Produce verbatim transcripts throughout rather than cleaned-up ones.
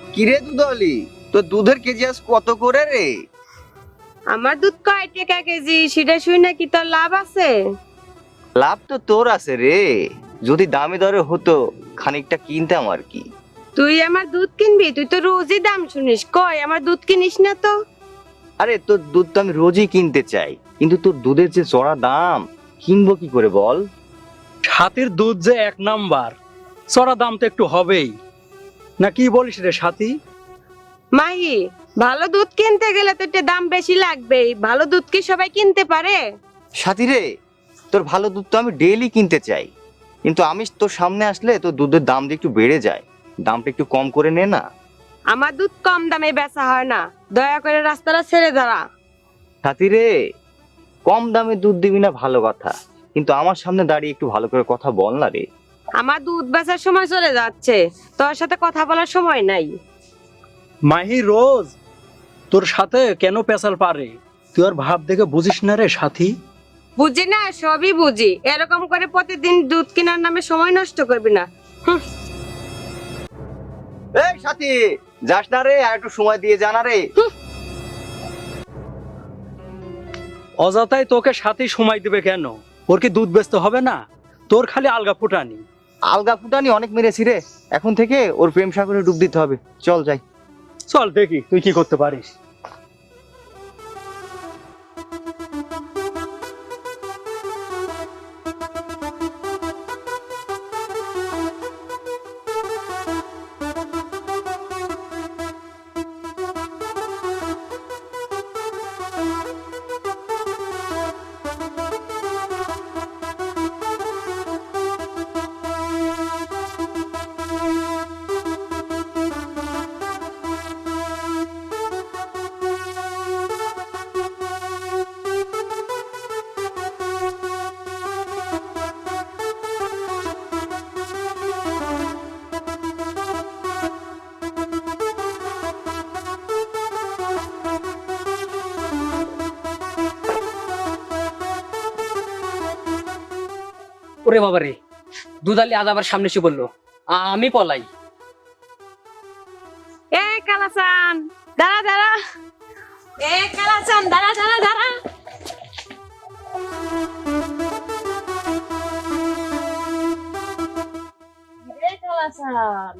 কিরে দুধলি, তোর দুধের কেজি আজ কত করে রে? আমার দুধ কয় টাকা কেজি সেটা শুই নাকি তোর লাভ আছে? লাভ তো তোর আছে রে, যদি দামে দরে হতো খানিকটা কিনতাম আর কি। তুই আমার দুধ কিনবি? তুই তো রোজই দাম শুনিস, কই আমার দুধ কিনিস না তো? আরে তোর দুধ তো আমি রোজই কিনতে চাই, কিন্তু তোর দুধের যে চড়া দাম, কিনবো কি করে বল? সাথীর দুধ যে এক নাম্বার, চড়া দাম তো একটু হবেই না, কি বলিস রে সাথী? মাহি, ভালো দুধ কিনতে গেলে তো একটু দাম বেশি লাগবেই। ভালো দুধ কি সবাই কিনতে পারে? সাথী রে, তোর ভালো দুধ তো আমি ডেইলি কিনতে চাই, কিন্তু আমি তোর সামনে আসলে তোর দুধের দাম যে একটু বেড়ে যায়, দামটা একটু কম করে নে না। আমার দুধ কম দামে বেচা হয় না, দয়া করে রাস্তাটা ছেড়ে দাঁড়া। সাথী রে, কম দামে দুধ দিবি না ভালো কথা, কিন্তু আমার সামনে দাঁড়িয়ে একটু ভালো করে কথা বল না রে। আমার দুধ বেচার সময় চলে যাচ্ছে, তোর সাথে কথা বলার সময় নাই। মাহি রোজ তোর সাথে কেন পেশাল পারে? তুই আর ভাব দেখে বুঝিস না রে সাথী? বুঝি না, সবই বুঝি। এরকম করে প্রতিদিন দুধ কেনার নামে সময় নষ্ট করবি না। হুঁ। এই সাথী, যাস না রে, আর একটু সময় দিয়ে জানা রে। অযথাই তোকে সাথী সময় দিবে কেন? ওর কি দুধ বেচতে হবে না? তোর খালি আলগা ফুটানি। আলগা ফুটানি অনেক মেরেছি রে, এখন থেকে ওর প্রেম সাগরে ডুব দিতে হবে। চল যাই। চল দেখি তুই কি করতে পারিস। ওরে বাবা রে, দুধালি আজ আবার সামনে এসে বললো আমি পলাই। এ কালাচান, দাঁড়া দাঁড়া। এ কালাচান, দাঁড়া দাঁড়া দাঁড়া। এ কালাচান,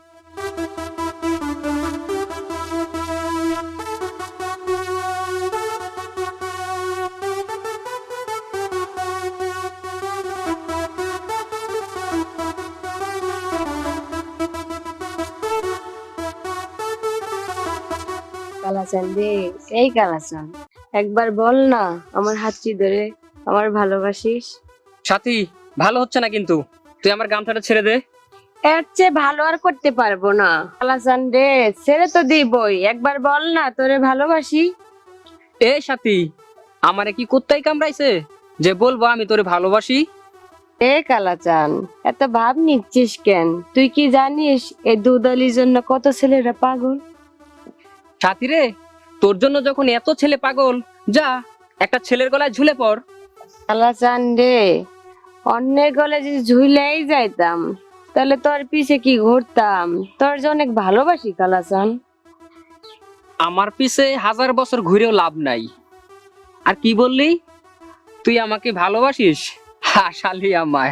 কালাচান রে, এই কালাচান, একবার বল না আমার হাতটি ধরে আমার ভালোবাসিস। সাথী, ভালো হচ্ছে না কিন্তু, তুই আমার গামছাটা ছেড়ে দে। এর চেয়ে ভালো আর করতে পারবো না। কালাচান রে, ছেড়ে তো দিবই, একবার বল না তোরে ভালোবাসি। এ সাথী, আমারে কি কুত্তাই কামড়াইছে যে বলবো আমি তোরে ভালোবাসি? এ কালাচান, এত ভাব নিচ্ছিস কেন? তুই কি জানিস এই দুধলির জন্য কত ছেলেরা পাগল? সাথী রে, তোর জন্য যখন এত ছেলে পাগল, যা একটা ছেলের গলায় ঝুলে পড়। কালাচান রে, অন্যের গলে যদি ঝুলেই যাইতাম তাহলে তোর পিছে কি ঘুরতাম? তোর যে অনেক ভালোবাসি কালাচান। আমার পিছে হাজার বছর ঘুরেও লাভ নাই। আর কি বললি, তুই আমাকে ভালোবাসিস? হাসালি আমায়।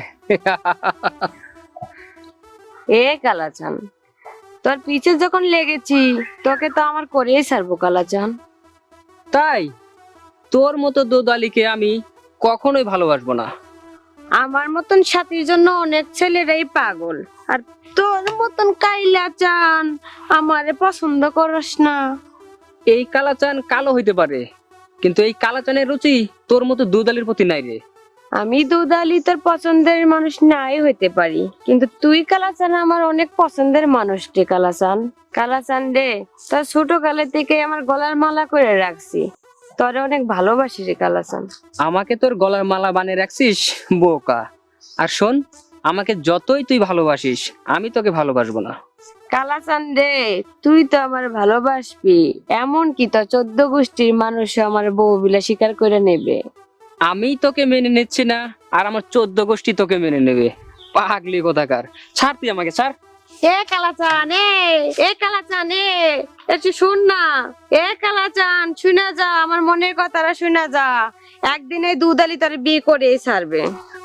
এ কালাচান, তোর পিছে যখন লেগেছি তোকে তো আমার করেই ছাড়বো কালাচান। তাই তোর মতো দোদালিকে আমি কখনোই ভালোবাসবো না। আমার মতন সাথীর জন্য অনেক ছেলেরাই পাগল, আর তোর মতন কাইলাচান আমারে পছন্দ করস না। এই কালাচান কালো হইতে পারে, কিন্তু এই কালাচানের রুচি তোর মতো দুধালির প্রতি নাই রে। আমি দুধালি তোর পছন্দের মানুষ নাই হইতে পারি, কিন্তু তুই কালাচান আমার অনেক পছন্দের মানুষ রে কালাচান। কালাচান রে, তোর ছোট কালে থেকে আমার গলার মালা করে রাখছি, তোরে অনেক ভালোবাসি রে কালাচান। আমাকে তোর গলার মালা বানিয়ে রাখছিস বোকা। আর শোন, আমাকে যতই তুই ভালোবাসিস আমি তোকে ভালোবাসবো না। কালাচান রে, তুই তো আমার ভালোবাসবি, এমন কি তোর চোদ্দ গোষ্ঠীর মানুষ আমার বউ বিলা স্বীকার করে নেবে। আমি তোকে মেনে নিচ্ছি না, আর আমার চোদ্দ গোষ্ঠী তোকে মেনে নেবে। পাগলি কোথাকার, ছাড় তুই আমাকে, ছাড়। এ কালাচান এ এ কালাচান এ একটু শুন না। এ কালাচান শুনা যা, আমার মনের কথাটা শুনা যা। একদিন এই দুধালি তোর বিয়ে করে ছাড়বে।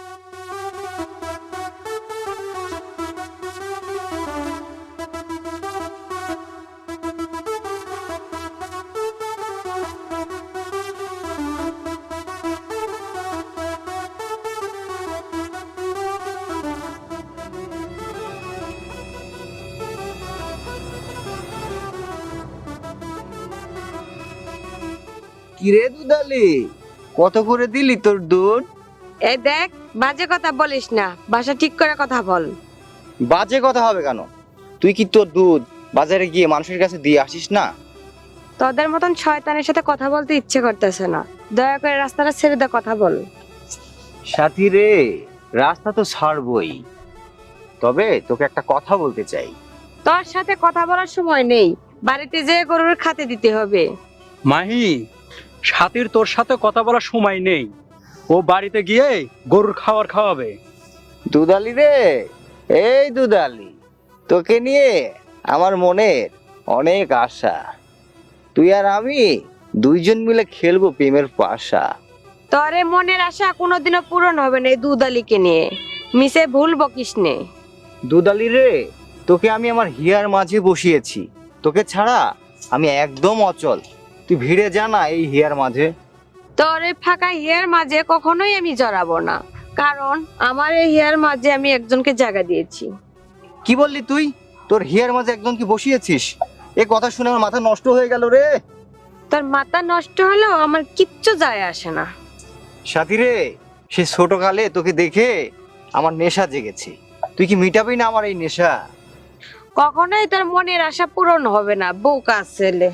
কিরে দুধালি, কত করে দিলি তোর দুধ? এই দেখ, বাজে কথা বলিস না, ভাষা ঠিক করে কথা বল। বাজে কথা হবে কেন? তুই কি তোর দুধ বাজারে গিয়ে মানুষের কাছে দিয়ে আসিস না? তোদের মতন শয়তানের সাথে কথা বলতে ইচ্ছে করতেছে না, দয়া করে রাস্তাটা ছেড়ে দে, কথা বল। সাথী রে, রাস্তা তো ছাড়বই, তবে তোকে একটা কথা বলতে চাই। তোর সাথে কথা বলার সময় নেই, বাড়িতে যেয়ে গরুর খাতে দিতে হবে। মাহি, সাথীর তোর সাথে কথা বলার সময় নেই, ও বাড়িতে গিয়ে গরুর খাবার খাওয়াবে। দুধালি রে, এই দুধালি, তোকে নিয়ে আমার মনের অনেক আশা। তুই আর আমি দুইজন মিলে খেলবো প্রেমের পাশা। তোর এ মনের আশা কোনোদিনও পূরণ হবে না এই দুধালিকে নিয়ে, মিশে ভুল বকিস নে। দুধালি রে, তোকে আমি আমার হিয়ার মাঝে বসিয়েছি, তোকে ছাড়া আমি একদম অচল। তুই ভিড়ে যা না এই হিয়ার মাঝে। তোর এই ফাঁকা হিয়ার মাঝে কখনোই আমি জড়াবো না, কারণ আমার এই হিয়ার মাঝে আমি একজনকে জায়গা দিয়েছি। কি বললি তুই? তোর হিয়ার মাঝে একজন কি বসিয়েছিস? এ কথা শুনে আমার মাথা নষ্ট হয়ে গেল রে। তোর মাথা নষ্ট হলেও আমার কিচ্ছু যায় আসে না। সাথী রে, সে ছোটকালে তোকে দেখে আমার নেশা জেগেছে, তুই কি মিটাবি না আমার এই নেশা? কখনোই তোর মনের আশা পূরণ হবে না, বোকা ছেলে।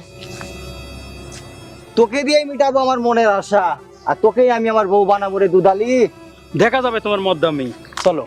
তোকে দিয়েই মিটাবো আমার মনের আশা, আর তোকেই আমি আমার বউ বানাবো রে দুধালি। দেখা যাবে তোমার মদ্দামি, চলো।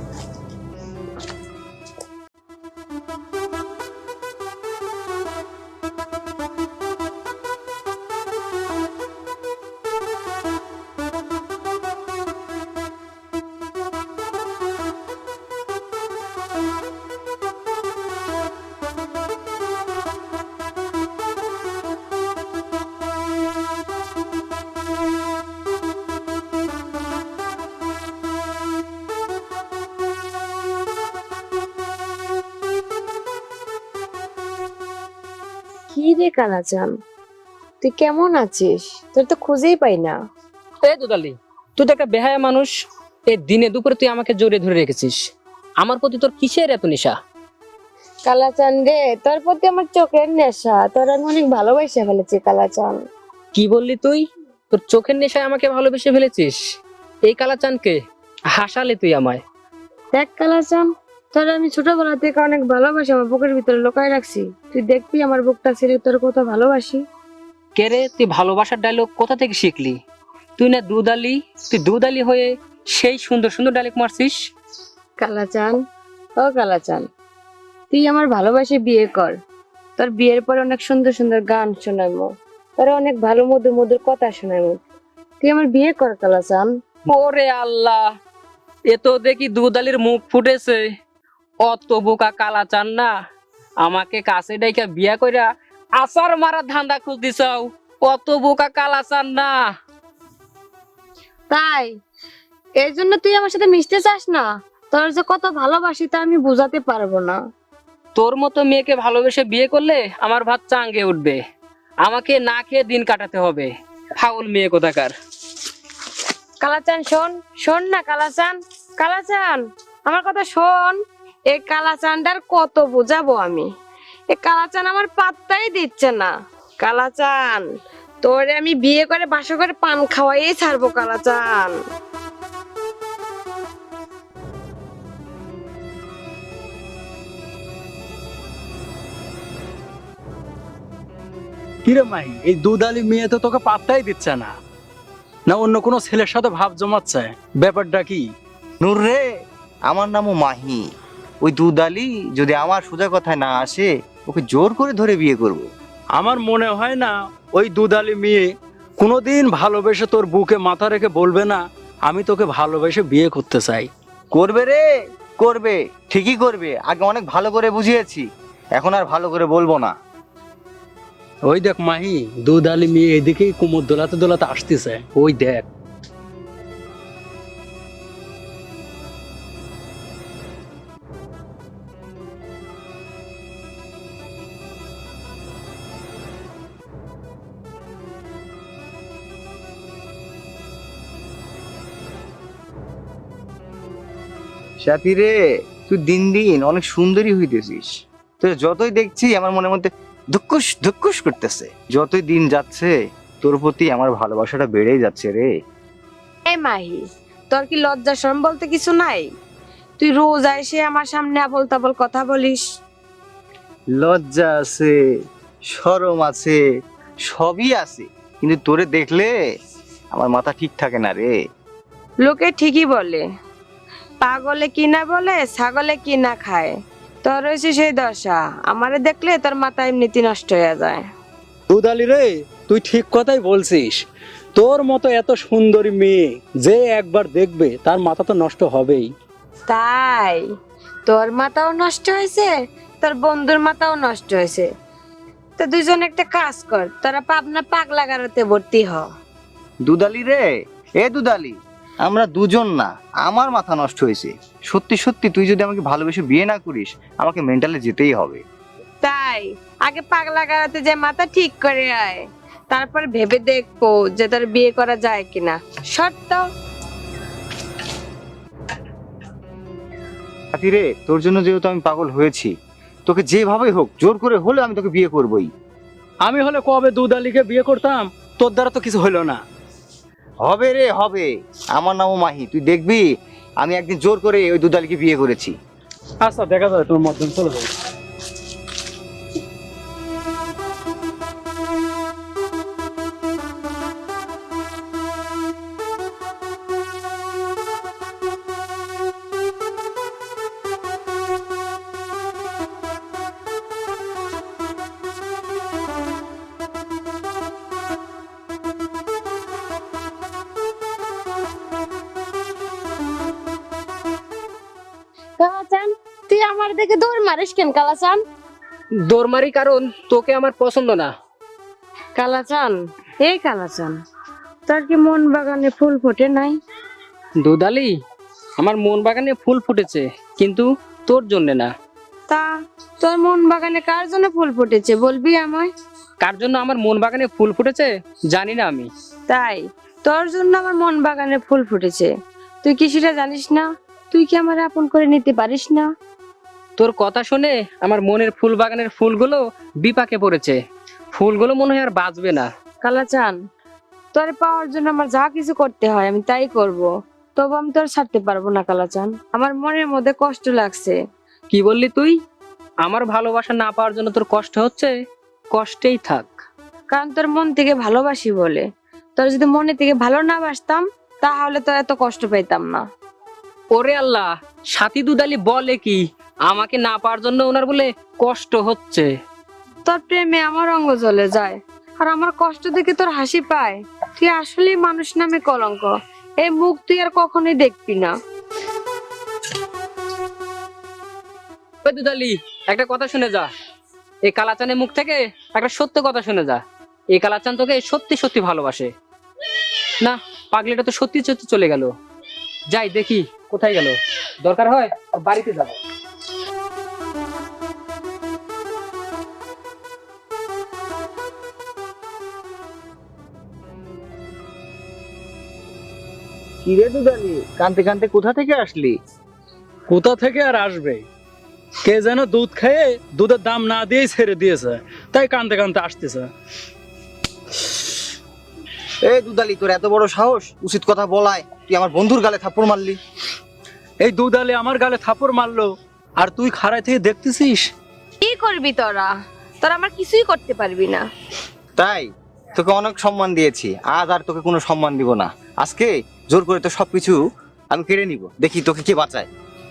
কি রে কালাচান, তুই কেমন আছিস? তোর তো খুঁজেই পাই না। এই দুধালি, তুই তো একটা বেহায়া মানুষ। এই দিনে দুপুরে তুই আমাকে জড়িয়ে ধরে রেখেছিস। আমার প্রতি তোর কিসের এত নেশা? কালাচান রে, তোর প্রতি আমার চোখের নেশা, তোর আমি অনেক ভালোবাসা ফেলেছি কালাচান। কি বললি তুই? তোর চোখের নেশায় আমাকে ভালোবেসে ফেলেছিস? এই কালাচানকে হাসালি তুই আমায়। দেখ কালাচান, তোর আমি ছোটবেলা থেকে অনেক ভালোবাসি, আমার বুকের ভিতরে লুকায় রাখছি। তুই দেখবি আমার বুকটা ছেড়ে তোর কত ভালোবাসি। কে রে, তুই ভালোবাসার ডায়লগ কোথা থেকে শিখলি? তুই না দুধালি, তুই দুধালি হয়ে সেই সুন্দর সুন্দর ডায়লগ মারছিস। কালাচান, ও কালাচান, তুই আমার ভালোবাসে বিয়ে কর। তোর বিয়ের পরে অনেক সুন্দর সুন্দর গান শোনাবো, তোর অনেক ভালো মধুর মধুর কথা শোনাবো। তুই আমার বিয়ে কর কালাচান। ওরে আল্লাহ, এ তো দেখি দুধালির মুখ ফুটেছে। অত বোকা কালাচান না, আমাকে কাছে ডাইকা বিয়া কইরা আসার মারা ধান্দা খুঁজতেছাও। অত বোকা কালাচান না। তাই এই জন্য তুই আমার সাথে মিশতে চাস না? তোর যে কত ভালোবাসি তা আমি বুঝাতে পারবো না। তোর মতো মেয়েকে ভালোবেসে বিয়ে করলে আমার ভাত চাঙ্গে উঠবে, আমাকে না খেয়ে দিন কাটাতে হবে। ফাউল মেয়ে কোথাকার। কালাচান শোন, শোন না কালাচান, কালাচান আমার কথা শোন। এই কালাচানটার কত বুঝাবো আমি, এই কালাচান আমার পাত্তাই দিচ্ছে না। কালাচান, তোরে আমি বিয়ে করে বাসা করে পান খাওয়াই ছাড়বো কালাচান। কিরে মাহি, এই দুধালি মেয়ে তো তোকে পাত্তাই দিচ্ছে না, না অন্য কোনো ছেলের সাথে ভাব জমাচ্ছে? ব্যাপারটা কি? নূর রে, আমার নামও মাহি। ওই দুধালি যদি আমার সোজা কথায় না আসে, ওকে জোর করে ধরে বিয়ে করব। আমার মনে হয় না ওই দুধালি মেয়ে কোনোদিন ভালোবেসে তোর বুকে মাথা রেখে বলবে না আমি তোকে ভালোবেসে বিয়ে করতে চাই। করবে রে, করবে, ঠিকই করবে। আগে অনেক ভালো করে বুঝিয়েছি, এখন আর ভালো করে বলবো না। ওই দেখ মাহি, দুধ আলি মেয়ে এদিকেই কুমোর দোলাতে দোলাতে আসতেছে, ওই দেখ। সাথী রে, তুই দিন দিন অনেক সুন্দরী হইতেছিস। তো যতই দেখছি আমার মনের মধ্যে ধুকুস ধুকুস করতেছে। যতই দিন যাচ্ছে তোর প্রতি আমার ভালোবাসাটা বেড়েই যাচ্ছে রে। এই মাহি, তোর কি লজ্জা শরম বলতে কিছু নাই? তুই রোজ এসে আমার সামনে আবল তাবল কথা বলিস। লজ্জা আছে, শরম আছে, সবই আছে, কিন্তু তোরে দেখলে আমার মাথা ঠিক থাকে না রে। লোকে ঠিকই বলে, পাগলে কি না বলে, ছাগলে কি না খায়। তোর হয়েছে সেই দশা, আমারে দেখলে তোর মাথা এমনিতে নষ্ট হয়ে যায়। দুধ আলি রে, তুই ঠিক কথাই বলছিস। তোর মতো এত সুন্দরী মেয়ে যে একবার দেখবে তার মাথা তো নষ্ট হবেই। তাই তোর মাথাও নষ্ট হয়েছে, তোর বন্ধুর মাথাও নষ্ট হয়েছে। তো দুজন একটা কাজ কর, তোরা পাবনা পাগলা গারোতে ভর্তি হ। দুদালি রে, এ দুদালি, আমরা দুজন না, আমার মাথা নষ্ট হয়েছে। সত্যি সত্যি তুই যদি আমাকে ভালোবেসে বিয়ে না করিস, আমাকে মেন্টালে যেতেই হবে। তাই আগে পাগলা গারোতে যে মাথা ঠিক করে আয়, তারপর ভেবে দেখবো যে তোর বিয়ে করা যায় কিনা। শর্ত সাথী রে, তোর জন্য যেহেতু আমি পাগল হয়েছি, তোকে যেভাবেই হোক জোর করে হলে আমি তোকে বিয়ে করবই। আমি হলে কবে দুধ আলিকে বিয়ে করতাম, তোর দ্বারা তো কিছু হইলো না। হবে রে হবে, আমার নামও মাহি, তুই দেখবি আমি একদিন জোর করে ওই দুদালিকে বিয়ে করেছি। আচ্ছা দেখা যাবে, তোর মধ্যে চলে যাবে। কালাচান, তুই আমার দেখে দৌড় মারিস কেন কালাচান? দৌড় মারি কারণ তোকে আমার পছন্দ না। কালাচান, এই কালাচান, তোর কি মন বাগানে ফুল ফোটে নাই? দুধালি, আমার মন বাগানে ফুল ফুটেছে, কিন্তু তোর জন্য না। তা তোর মন বাগানে কার জন্য ফুল ফুটেছে বলবি আমায়? কার জন্য আমার মন বাগানে ফুল ফুটেছে জানি না আমি। তাই তোর জন্য আমার মন বাগানে ফুল ফুটেছে, তুই কি সেটা জানিস না? তুই কি আমার আপন করে নিতে পারিস না? তোর কথা শুনে আমার মনের ফুল বাগানের ফুলগুলো বিপাকে পড়েছে। ফুলগুলো মনে হয় আর বাঁচবে না। কালাচান, তোর পাওয়ার জন্য আমার যা কিছু করতে হয় আমি তাই করব, তবু আমি তোর ছাড়তে পারবো না কালাচান। আমার মনের মধ্যে কষ্ট লাগছে। কি বললি তুই? আমার ভালোবাসা না পাওয়ার জন্য তোর কষ্ট হচ্ছে? কষ্টেই থাক। কারণ তোর মন থেকে ভালোবাসি বলে। তোর যদি মনে থেকে ভালো না বাসতাম তাহলে তো এত কষ্ট পেতাম না। ওরে আল্লাহ, সাথী দুধালি বলে কি আমাকে না পাওয়ার জন্য ওনার বলে কষ্ট হচ্ছে? তোর প্রেমে আমার অঙ্গ জ্বলে যায়, আর আমার কষ্ট দেখে তোর হাসি পায়। তুই আসলে মানুষ নামে কলঙ্ক, এই মুখ তুই আর কখনোই দেখবি না। ওই দুধালি, একটা কথা শুনে যা। এই কালাচানের মুখ থেকে একটা সত্য কথা শুনে যা। এই কালাচান তোকে সত্যি সত্যি ভালোবাসে। না, পাগলিটা তো সত্যি সত্যি চলে গেল। যাই দেখি কোথায় গেল, দরকার হয় ওর বাড়িতে যাবো। কিরে দুদালি, কানতে কানতে কোথা থেকে আসলি? কোথা থেকে আর আসবে, কে যেন দুধ খেয়ে দুধের দাম না দিয়েই ছেড়ে দিয়েছে, তাই কানতে কানতে আসতেছে। এই দুদালি, তোর এত বড় সাহস, উচিত কথা বলায় তুই আমার বন্ধুর গালে থাপ্পড় মারলি। এই দুধ আলি আমার গালে থাপড় মারলো, আর তুই খাড়ায় থেকে দেখতেছিস। কি করবি তোরা? তোরা আমার কিছুই করতে পারবি না। তাই তোকে অনেক সম্মান দিয়েছি, আজ আর তোকে কোনো সম্মান দিব না। আজকে জোর করে তো সবকিছু আমি কেড়ে নিব, দেখি তোকে কে বাঁচায়।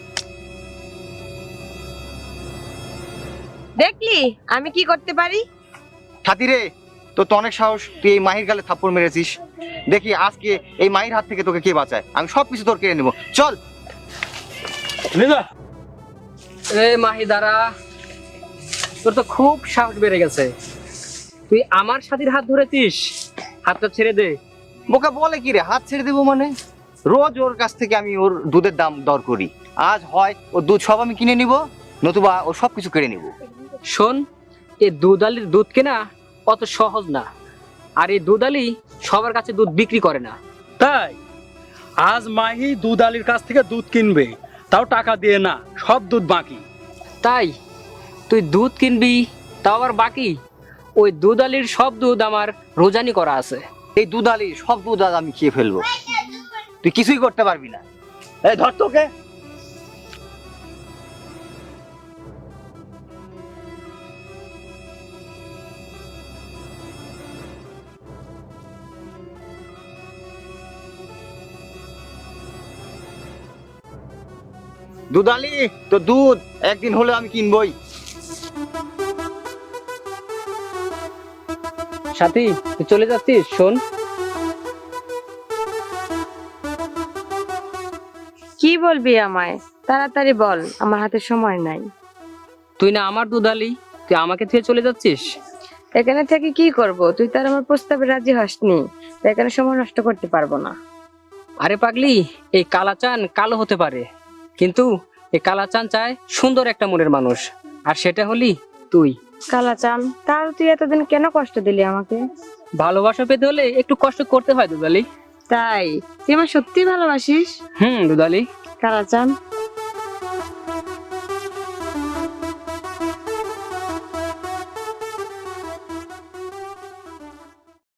দেখলি আমি কি করতে পারি? সাথী রে, তোর তো অনেক সাহস, তুই এই মাহির গালে থাপ্পড় মেরেছিস। দেখি আজকে এই মাহির হাত থেকে তোকে কে বাঁচায়, আমি সবকিছু তোর কেড়ে নিব। চল। এ মাহিদারা, তোর তো খুব সাহস বেড়ে গেছে। তুই আমার সাথীর হাত ধরেছিস, হাতটা ছেড়ে দে। বোকা বলে কি রে, হাত ছেড়ে দেবো মানে? রোজ ওর কাছ থেকে আমি ওর দুধের দাম দর করি। আজ হয় ও দুধ সব আমি কিনে নিব, নতুবা ও সব কিছু কেড়ে নিব। শোন, এই দুধালির দুধ কেনা অত সহজ না, আর এই দুধালি সবার কাছে দুধ বিক্রি করে না। তাই আজ মাহি দুধ আলীর কাছ থেকে দুধ কিনবে, তাও টাকা দিয়ে না, সব দুধ বাকি। তাই তুই দুধ কিনবি, তাও আবার বাকি? ওই দুধালির সব দুধ আমার রোজানি করা আছে। এই দুধ আলি সব দুধ আজ আমি খেয়ে ফেলবো, তুই কিছুই করতে পারবি না। এই ধর তোকে। দুধ আলি, তো দুধ একদিন হলে আমি কিনবই। সাথী, তুই চলে যাচ্ছিস? শোন, কি বলবি আমায়? তাড়াতাড়ি বল, আমার হাতে সময় নাই। তুই না আমার দুধালি, তুই আমাকে থেকে চলে যাচ্ছিস? এখানে থেকে কি করব? তুই তার আমার প্রস্তাবে রাজি হসনি, তাই এখানে সময় নষ্ট করতে পারবো না। আরে পাগলি, এই কালাচান কালো হতে পারে, কিন্তু এই কালাচান চায় সুন্দর একটা মনের মানুষ, আর সেটা হলি তুই। কালাচান, তার তুই এতদিন কেন কষ্ট দিলি আমাকে? ভালোবাসা পেতে হলে একটু কষ্ট করতে হয় দুধালি। তাই তুই আমার সত্যি ভালোবাসিস? হুম দুধালি। কালাচান,